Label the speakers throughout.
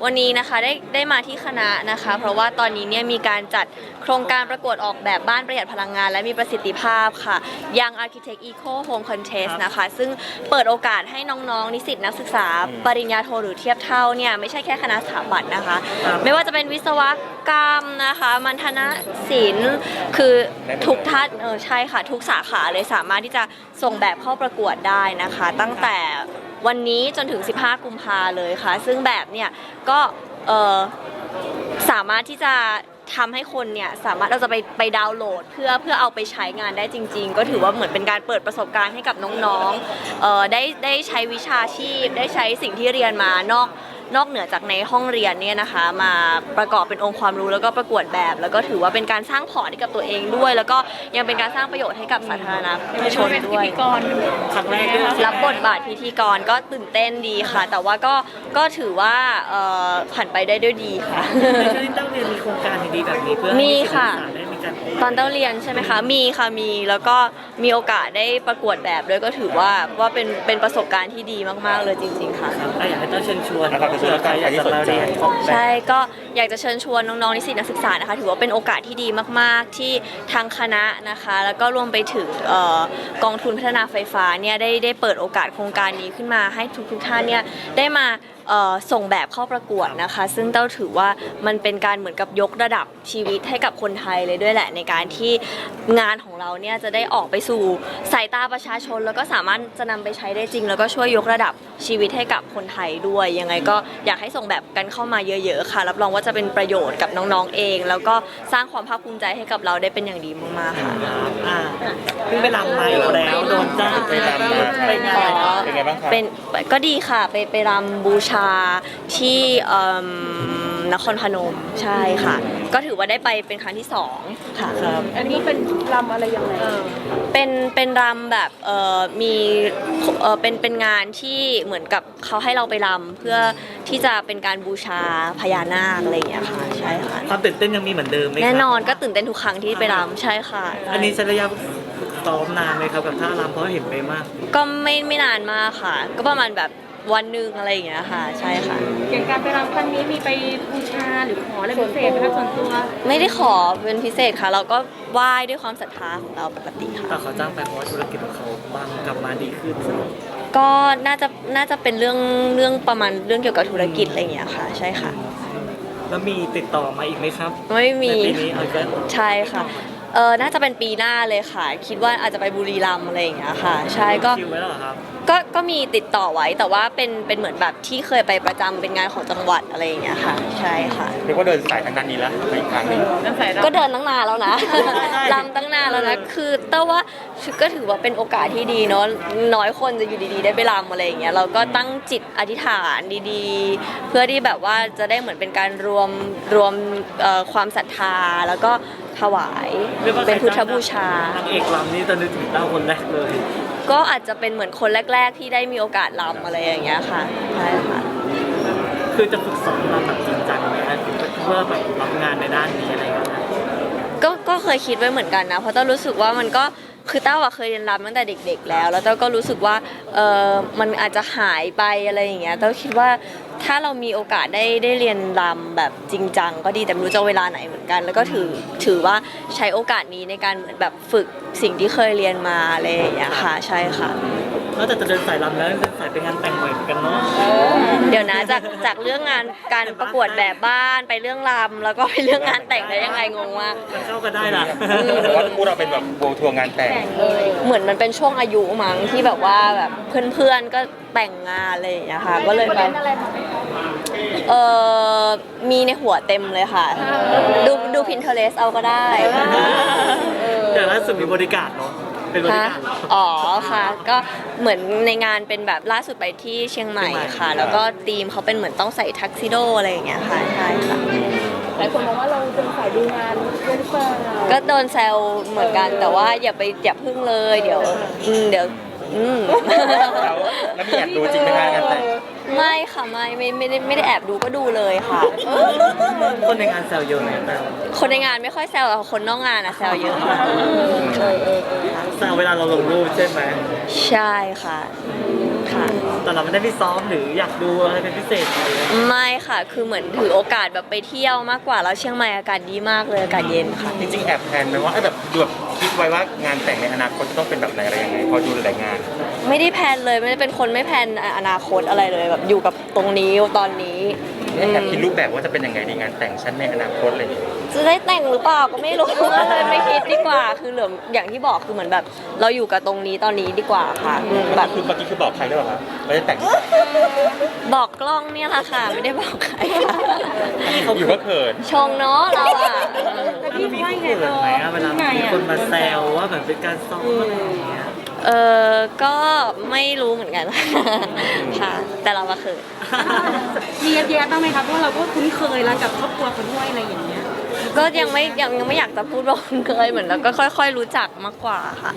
Speaker 1: วันนี้นะคะได้มาที่คณะนะคะเพราะว่าตอนนี้เนี่ยมีการจัดโครงการประกวดออกแบบบ้านประหยัดพลังงานและมีประสิทธิภาพค่ะ Young Architect Eco Home Contest นะคะซึ่งเปิดโอกาสให้น้องๆนิสิตนักศึกษาปริญญาโทหรือเทียบเท่าเนี่ยไม่ใช่แค่คณะสถาปัตย์นะคะไม่ว่าจะเป็นวิศวกรรมนะคะมัณฑนศิลป์คือทุกท่านใช่ค่ะทุกสาขาเลยสามารถที่จะส่งแบบเข้าประกวดได้นะคะตั้งแต่วันนี้จนถึง15กุมภาเลยค่ะซึ่งแบบเนี่ยก็สามารถที่จะทำให้คนเนี่ยสามารถเราจะไปดาวน์โหลดเพื่อเอาไปใช้งานได้จริงๆก็ถือว่าเหมือนเป็นการเปิดประสบการณ์ให้กับน้องๆได้ใช้วิชาชีพได้ใช้สิ่งที่เรียนมานอกเหนือจากในห้องเรียนเนี่ยนะคะมาประกอบเป็นองค์ความรู้แล้วก็ประกวดแบบแล้วก็ถือว่าเป็นการสร้างพอร์ตให้กับตัวเองด้วยแล้วก็ยังเป็นการสร้างประโยชน์ให้กับสาธารณชนด้วย
Speaker 2: ครั้งแรก
Speaker 1: รับบทบาทพิธีกรก็ตื่นเต้นดีค่ะแต่ว่าก็ถือว่าผ่านไปได้ด้วยดีค่ะ
Speaker 2: ในช่วงที่ต้องเรียนมีโครงการดีๆแบบนี้เพื่อ
Speaker 1: มีค่ะ
Speaker 2: ได้มีการ
Speaker 1: ตอนเต้าเรียนใช่ไหมคะมีค่ะมีแล้วก็มีโอกาสได้ประกวดแบบด้วยก็ถือว่าเป็นประสบการณ์ที่ดีมากๆเลยจริงๆค่ะ
Speaker 2: อยากให้ต้องเชิญชวนเผื่อใครอยากจะมาเรียน
Speaker 1: ใช่ก็อยากจะเชิญชวนน้องๆนิสิตนักศึกษานะคะถือว่าเป็นโอกาสที่ดีมากๆที่ทางคณะนะคะแล้วก็รวมไปถึงกองทุนพัฒนาไฟฟ้าเนี่ยได้เปิดโอกาสโครงการนี้ขึ้นมาให้ทุกท่านเนี่ยได้มาส่งแบบเข้าประกวดนะคะซึ่งเต้าถือว่ามันเป็นการเหมือนกับยกระดับชีวิตให้กับคนไทยเลยด้วยแหละในการที่งานของเราเนี่ยจะได้ออกไปสู่สายตาประชาชนแล้วก็สามารถจะนำไปใช้ได้จริงแล้วก็ช่วยยกระดับชีวิตให้กับคนไทยด้วยยังไงก็อยากให้ส่งแบบกันเข้ามาเยอะๆค่ะรับรองว่าจะเป็นประโยชน์กับน้องๆเองแล้วก็สร้างความภาคภูมิใจให้กับเราได้เป็นอย่างดีมากๆค่ะ
Speaker 2: เพิ่งไปรำมาอีกแล้วโดนจ้าง
Speaker 3: ไปรำมา
Speaker 2: ไปงาน
Speaker 3: เป็นไงบ้างครับ
Speaker 1: ก็ดีค่ะไปรำบูชาที่นครพนมใช่ค่ะก็ถือว่าได้ไปเป็นครั้งที่2ค่ะ
Speaker 4: อันนี้เป็นรำอะไรยังไง
Speaker 1: เป็นรำแบบมีเป็นงานที่เหมือนกับเขาให้เราไปรำเพื่อที่จะเป็นการบูชาพญานาคอะไรอย่างเงี้ยค่ะใช่ค่ะ
Speaker 2: ความตื่นเต้นยังมีเหมือนเดิมไหม
Speaker 1: แน่นอนก็ตื่นเต้นทุกครั้งที่ไปรำใช่ค่ะ
Speaker 2: อันนี้ใช้ระยะซ้อมนานไหมครับกับท่ารำเพราะเห็นไปมาก
Speaker 1: ก็ไม่นานมากค่ะก็ประมาณแบบวันหนึ่งอะไรอย่างเงี้ยค่ะใช่ค่ะ
Speaker 4: อย่างการไปรำครั้งนี้มีไปบูชาหรือขออะไรพิเศษไหมคะส่วนตัว
Speaker 1: ไม่ได้ขอเป็นพิเศษค่ะเราก็ไหว้ด้วยความศรัทธาของเราปกติค่ะ
Speaker 2: แต่เขาจ้างไปเพราะว่าธุรกิจของเขาบางกลับมาดีขึ้น
Speaker 1: ก็น่าจะเป็นเรื่องประมาณเรื่องเกี่ยวกับธุรกิจอะไรอย่างเงี้ยค่ะใช่ค่ะ
Speaker 2: แล้วมีติดต่อมาอีกไหมครับ
Speaker 1: ไม่มี
Speaker 2: ปีนี้
Speaker 1: ใช่ค่ะน่าจะเป็นปีหน้าเลยค่ะคิดว่าอาจจะไปบุรีรัมย์อะไรอย่างเงี้ยค่ะใช่ก็
Speaker 2: คิวไว้แล้วเหรอครับ
Speaker 1: ก็มีติดต่อไว้แต่ว่าเป็นเหมือนแบบที่เคยไปประจำเป็นงานของจังหวัดอะไรอย่างเงี้ยค่ะใช่ค่ะ
Speaker 3: เรียกว่าเดินสายทางด้านนี้แล้วอีกครั้งนึง
Speaker 1: ก็เดินตั้งนานแล้วนะรำตั้งนานแล้วนะคือแต่ว่าก็ถือว่าเป็นโอกาสที่ดีเนาะน้อยคนจะอยู่ดีๆได้ไปรำอะไรอย่างเงี้ยเราก็ตั้งจิตอธิษฐานดีๆเพื่อที่แบบว่าจะได้เหมือนเป็นการรวมความศรัทธาแล้วก็ถวายเป็นพุทธบูชาน
Speaker 2: างเอกรำนี่จะนึกถึงเต้าคนแรกเลย
Speaker 1: ก็อาจจะเป็นเหมือนคนแรกๆที่ได้มีโอกาสรำอะไรอย่างเงี้ยค่ะใช่ค่ะ
Speaker 2: คือจะฝึกซ้อมรำแบบจริงจังไหมเพื่อแบบรับงานในด้านนี้อะไรอย่างเงี้ย
Speaker 1: ก็เคยคิดไว้เหมือนกันนะเพราะเต้ารู้สึกว่ามันก็คือเต้าเคยเรียนรำตั้งแต่เด็กๆแล้วเต้าก็รู้สึกว่ามันอาจจะหายไปอะไรอย่างเงี้ยเต้าคิดว่าถ้าเรามีโอกาสได้เรียนรำแบบจริงจังก็ดีแต่ไม่รู้จะเวลาไหนเหมือนกันแล้วก็ถือว่าใช้โอกาสนี้ในการเหมือนแบบฝึกสิ่งที่เคยเรียนมาอะไรอย่างเงี้ยค่ะใช่ค่ะ
Speaker 2: นอกจากจะเดินสายรำแล้วเดินสายไปงานแต่งบ่อยเหมือนกันเนาะ
Speaker 1: เดี๋ยวนะจากเรื่องงานการประกวดแบบบ้านไปเรื่องรำแล้วก็ไปเรื่องงานแต่งได้ยังไงงงมาก
Speaker 2: มันเข้ากันได้นะ
Speaker 3: แต่ว่าคู่เราเป็นแบบโบทัวร์งานแต่ง
Speaker 1: เหมือนมันเป็นช่วงอายุมั้งที่แบบว่าแบบเพื่อนๆก็แต่งงานอะไรอย่างเงี้ยค่ะก็เลยไปมีในหัวเต็มเลยค่ะดู Pinterest เอาก็ได้
Speaker 2: แต่ล่าสุดมีบริการเนาะเป็นบริการ
Speaker 1: อ๋อค่ะก็เหมือนในงานเป็นแบบล่าสุดไปที่เชียงใหม่ค่ะแล้วก็ธีมเขาเป็นเหมือนต้องใส่ทักซิโดอะไรอย่างเงี้ยค่ะใช่ค่ะ
Speaker 4: หลายคนมองว่าเราเป็นสายดูงานเรื่องเปล่า
Speaker 1: ก็โดนแซวเหมือนกันแต่ว่าอย่าพึ่งเลยเดี๋ยวแล้ว
Speaker 3: มีแอบดูจริงไหมคะงานแต่ง
Speaker 1: ไม่ค่ะไม่ได้แอบดูก็ดูเลยค่ะ
Speaker 2: คนในงานแซวเยอะไหม
Speaker 1: คนในงานไม่ค่อยแซวแต่คนนอกงานอะแซวเยอะค่ะ
Speaker 2: แซวเวลาเราลงรูปใช่ไหม
Speaker 1: ใช่ค่ะค่ะ
Speaker 2: แต่เราไม่ได้ไปซ้อมหรืออยากดูอะไรเป็นพิเศษอะไรเลย
Speaker 1: ไม่ค่ะ คือเหมือนถือโอกาสแบบไปเที่ยวมากกว่าแล้วเชียงใหม่อากาศดีมากเลยอากาศเย็นค่ะ
Speaker 3: จริงๆแอบแพลนไหมว่าแบบดูแบบคิดไว้ว่างานแต่งในอนาคตจะต้องเป็นแบบไหนอะไรยังไงพอดูหลายๆงาน
Speaker 1: ไม่ได้แพลนเลยไม่ได้เป็นคนไม่แพลนอนาคตอะไรเลยแบบอยู่กับตรงนี้ตอนนี้
Speaker 3: แอบคิดรูปแบบว่าจะเป็นยังไงในงานแต่งฉันในอนาคตอะไรอย่างเงี้ย
Speaker 1: จะได้แต่งหรือเปล่าก็ไม่รู้ ก็เลยไม่คิดดีกว่า คือเหลืออย่างที่บอกคือเหมือนแบบ เราอยู่กับตรงนี้ตอนนี้ดีกว่าค่ะแบบ
Speaker 3: คือเมื่อกี้คือบอกใครหรือเปล่าครับไม่ได้แต่ง
Speaker 1: บอกกล้องเนี่ยแหละค่ะ ไม่ได้บอกใครค่ะ
Speaker 3: อยู่ก็เขิน
Speaker 1: ชงเนาะเราอ่ะ
Speaker 4: แต่
Speaker 2: พี่
Speaker 4: พี่
Speaker 2: มี
Speaker 4: ว่าไง
Speaker 2: เขินไหมอะเวลา
Speaker 4: ไง
Speaker 2: มี
Speaker 4: อ่ะ
Speaker 2: คนมาแซวว่าแบบเป็นการซ้อมอะไรอย่างเงี้ย
Speaker 1: ก็ไม่รู้เหมือนกัน ค่ะ แต่เรามาเขิน
Speaker 4: มีแย้ๆบ้างไหมคะเพราะเราก็คุ้นเคยแล้วกับครอบครัวเขาด้วยอะไรอย่างเงี้ย
Speaker 1: ก็ยังไม่อยากจะพูดว่าคุ้นเคยเหมือนเราก็ค่อย ๆ รู้จักมากกว่าค่ะ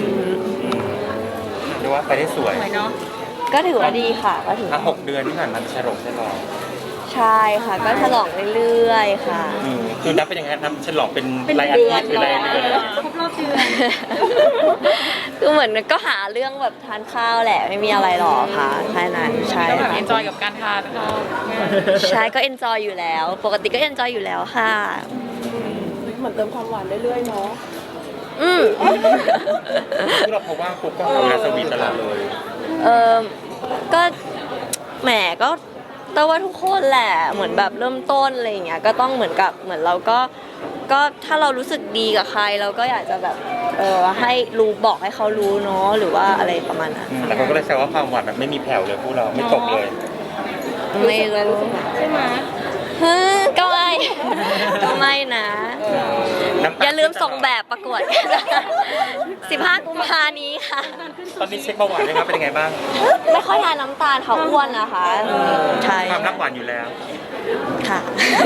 Speaker 3: เรียกว่าไปได้สวย
Speaker 4: สวยเนาะ
Speaker 1: ก็ถือว่าดีค่ะ ก็ถือ
Speaker 3: 6 เดือนที่ผ่านมาฉลอง
Speaker 1: ใช่ค่ะ ก็ฉลองเรื่อยๆค่ะ
Speaker 3: คือนับเป็นยังไงนับฉลองเป็น
Speaker 4: เป็น
Speaker 3: รายอาทิตย์หรือรายเดือน
Speaker 4: ครบรอบเดือน
Speaker 1: คือเหมือนก็หาเรื่องแบบทานข้าวแหละไม่มีอะไรหรอกค่ะแค่นั้นใช่
Speaker 4: ก็แบบ
Speaker 1: ค่ะ
Speaker 4: เอนจอยกับการทานข้าว
Speaker 1: ใช่ก็เอนจอยอยู่แล้ว ปกติก็เอนจอยอยู่แล้วค่ะ
Speaker 5: เหมือนเติมความหวานเรื่อยๆเนาะ
Speaker 1: อืม
Speaker 3: ที่เราพบว่าปุ๊บก็ทำงานสวีทตลอดเลย
Speaker 1: เออก็แหมก็แต่ว่าทุกคนแหละเหมือนแบบเริ่มต้นอะไรอย่างเงี้ยก็ต้องเหมือนกับเหมือนเราก็ถ้าเรารู้สึกดีกับใครเราก็อยากจะแบบให้รู้บอกให้เขารู้เนาะหรือว่าอะไรประมาณนั้น
Speaker 3: แต่คนก็เลยแซวว่าความหวานแบบไม่มีแผ่วเลยพวกเราไม่ตกเลย
Speaker 1: ไม่รู้
Speaker 4: ใช่ไหม
Speaker 1: ฮึก็ไม่ ก็ไม่นะ
Speaker 3: น้ำต
Speaker 1: อย่าลืมส่งแบบประกวดกันนะ15 กุมภานี้ค่ะ
Speaker 3: ตอนนี้เช็คเบาหวานเลยครับเป็นยังไงบ้าง
Speaker 1: ไม่ค่อยทานน้ำตาลเขาอ้วนนะคะใช่
Speaker 3: ความรักหวานอยู่แล้ว
Speaker 1: ค่ะ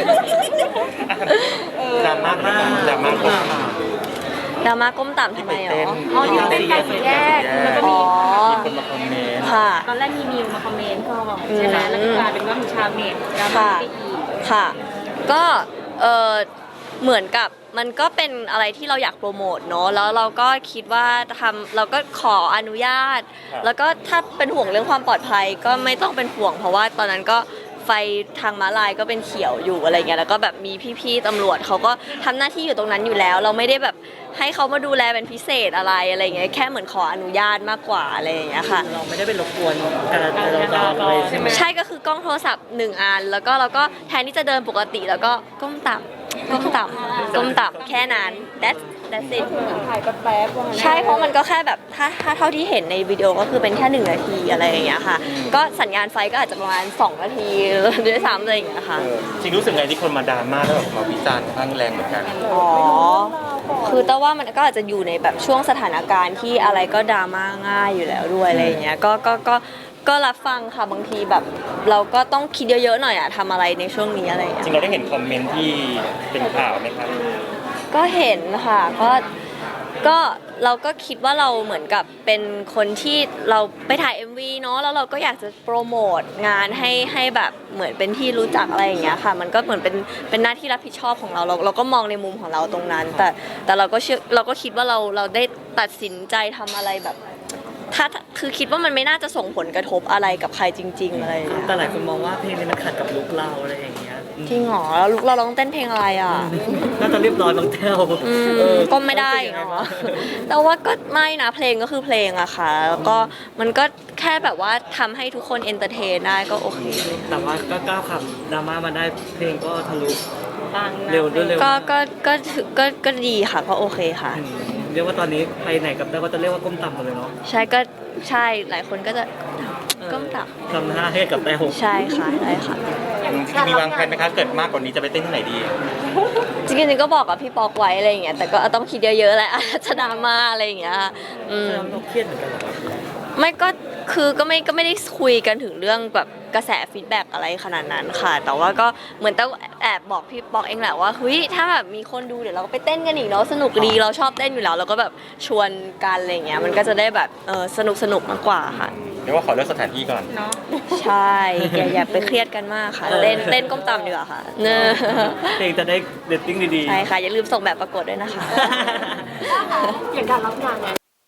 Speaker 3: ดราม่าดราม่าก็
Speaker 1: ดราม่าก้มต่ำทำไมหรอ
Speaker 4: อ๋อที่เป็นการสีแยกแล้วก็
Speaker 1: อ๋
Speaker 4: มี
Speaker 1: อ
Speaker 3: มีคนมาคอมเมนต์
Speaker 1: ค่ะ
Speaker 4: ตอนแรกมีมิวมาคอมเมนต์ก่อนใช่ไหมแล้วก็กลายเป็นว่ามีชาวเน็ตดราม่า
Speaker 1: ค่ะ
Speaker 4: ไปอีก
Speaker 1: ค่ะ ก็เหมือนกับมันก็เป็นอะไรที่เราอยากโปรโมทเนอะแล้วเราก็คิดว่าเราก็ขออนุญาต แล้วก็ถ้าเป็นห่วงเรื่องความปลอดภัยก็ไม่ต้องเป็นห่วง เพราะว่าตอนนั้นก็ไฟทางม้าลายก็เป็นเขียวอยู่อะไรเงี้ยแล้วก็แบบมีพี่ๆตำรวจเขาก็ทำหน้าที่อยู่ตรงนั้นอยู่แล้ว เราไม่ได้แบบให้เขามาดูแลเป็นพิเศษอะไรเงี้ยแค่เหมือนขออนุญาตมากกว่าอะไรอย่างเงี้ยค่ะ
Speaker 2: เราไม่ได้ไปรบกวนการจราจรอะไรใช่ไหม
Speaker 1: ใช่ก็คือกล้องโทรศัพท์1 อันแล้วก็เราก็แทนที่จะเดินปกติแล้วก็ก้มต่ำก้มต่ำก้มต่ำแค่นั้น that's it
Speaker 5: ถ่ายแป๊บๆว่างั้น
Speaker 1: ใช่เพราะมันก็แค่แบบถ้าเท่าที่เห็นในวิดีโอก็คือเป็นแค่1 นาทีอะไรอย่างเงี้ยค่ะ ก็สัญญาณไฟก็อาจจะประมาณ2 นาทีด้วยซ้ำอะไรอย่างเงี้ยค่ะ
Speaker 3: จริงรู้สึกไงที่คนมาดราม่าแล้วแบบมาวิจารณ์ค่อนข้างแรงเหมือนกัน
Speaker 1: อ๋อ คือแต่ว่ามันก็อาจจะอยู่ในแบบช่วงสถานการณ์ที่อะไรก็ดราม่าง่ายอยู่แล้วด้วยอะไรอย่างเงี้ย ก็รับฟังค่ะบางทีแบบเราก็ต้องคิดเยอะๆหน่อยอะทำอะไรในช่วงนี้อะไรอย่าง
Speaker 3: จ
Speaker 1: เงี้ย
Speaker 3: ริงเราได้เห็นคอมเมนต์ที่เป็นข่าวไหมครับ
Speaker 1: ก็เห็นค่ะก็เราก็คิดว่าเราเหมือนกับเป็นคนที่เราไปถ่าย MV เนาะแล้วเราก็อยากจะโปรโมทงานให้แบบเหมือนเป็นที่รู้จักอะไรอย่างเงี้ยค่ะ มันก็เหมือนเป็นหน้าที่รับผิดชอบของเราก็มองในมุมของเราตรงนั้น แต่เราก็คิดว่าเราได้ตัดสินใจทำอะไรแบบถ้าคือคิดว่ามันไม่น่าจะส่งผลกระทบอะไรกับใครจริง ๆอะไรอย่างเงี้ย
Speaker 2: แต่หลายคนมองว่าเพลงนี้มันขัดกับลุคเราอะไรอย่างเงี้ย
Speaker 1: จริงเหรอแล้วเราร้องเต้นเพลงอะไรอ่ะ
Speaker 2: น่าจะเรียบร้อยบางแถว
Speaker 1: ก็ไม่ได้เนาะแต่ว่าก็ไม่นะเพลงก็คือเพลงอะค่ะ แล้วก็มันก็แค่แบบว่าทำให้ทุกคนเอนเตอร์เทนได้ก็โอเค
Speaker 2: แต่ว่าก็ก้าวขับดราม่ามาได้เพลงก็ทะลุ
Speaker 4: ปังนะ
Speaker 2: เร็วด้วยเร็ว
Speaker 1: ก็ดีค่ะก็โอเคค่ะ
Speaker 2: เรียกว่าตอนนี้ไปไหนกับได้ก็จะเรียกว่าก้มต่ำหมดเลยเนาะ
Speaker 1: ใช่ก็ใช่หลายคนก็จะก้มต่
Speaker 2: ทำหน้าให้กับแต้ว
Speaker 1: ำใช่ค่ะใช่ค่ะ
Speaker 3: มีวางแผนไหมคะเกิดมากกว่านี้จะไปเต้นที่ไหนดี
Speaker 1: จริงๆก็บอกกับพี่ปอกไว้อะไรอย่างเงี้ยแต่ก็ต้องคิดเยอะๆแหละอาจจะดราม่าอะไรอย่างเงี้ยอืม
Speaker 2: เราเครียดเหมือนกันเหรอ
Speaker 1: ไม่ก็คือก็ไม่ได้คุยกันถึงเรื่องแบบกระแสฟีดแบ็กอะไรขนาดนั้นค่ะ แต่ว่าก็เหมือนต้องแอบบอกพี่ปอกเองแหละว่าเฮ้ยถ้าแบบมีคนดูเดี๋ยวเราก็ไปเต้นกันอีกเนาะสนุกดีเราชอบเต้นอยู่แล้วเราก็แบบชวนกันอะไรเงี้ยมันก็จะได้แบบสนุกมากกว่าค่ะ
Speaker 3: เรียกว่าขอเลือกสถานที่ก่อน
Speaker 4: เนาะ
Speaker 1: ใช่อย่าไปเครียดกันมากค่ะเต้นก้มต่ำดีกว่าค่ะเนอะ
Speaker 2: เพลงจะได้เรตติ้งดีๆ
Speaker 1: ใช่ค่ะอย่าลืมส่งแบบประกวดด้วยนะคะ
Speaker 5: อย่างการรับงานเนี่ย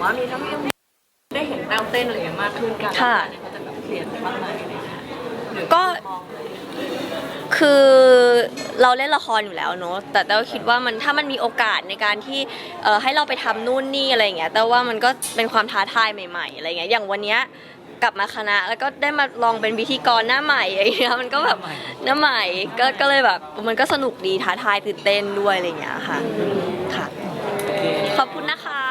Speaker 5: ว่ามีทั้งยังได้เห็นแต้วเต้นอะไรอย่างมากขึ้นกัน
Speaker 1: ค่ะ
Speaker 5: เนี่ยเขาจะแบบเปลี่ยนบ้างไหมอะไรอย่างเงี้ยหรือ
Speaker 1: ก็
Speaker 5: มอง
Speaker 1: คือเราเล่นละครอยู่แล้วเนอะแต่เราคิดว่ามันถ้ามันมีโอกาสในการที่ให้เราไปทำนู่นนี่อะไรอย่างเงี้ยแต่ว่ามันก็เป็นความท้าทายใหม่ๆอะไรเงี้ยอย่างวันเนี้ยกลับมาคณะแล้วก็ได้มาลองเป็นพิธีกรหน้าใหม่อะไรเงี้ยมันก็แบบหน้าใหม่ก็เลยแบบมันก็สนุกดีท้าทายตื่นเต้นด้วยอะไรอย่างเงี้ยค่ะค่ะ ขอบคุณนะคะ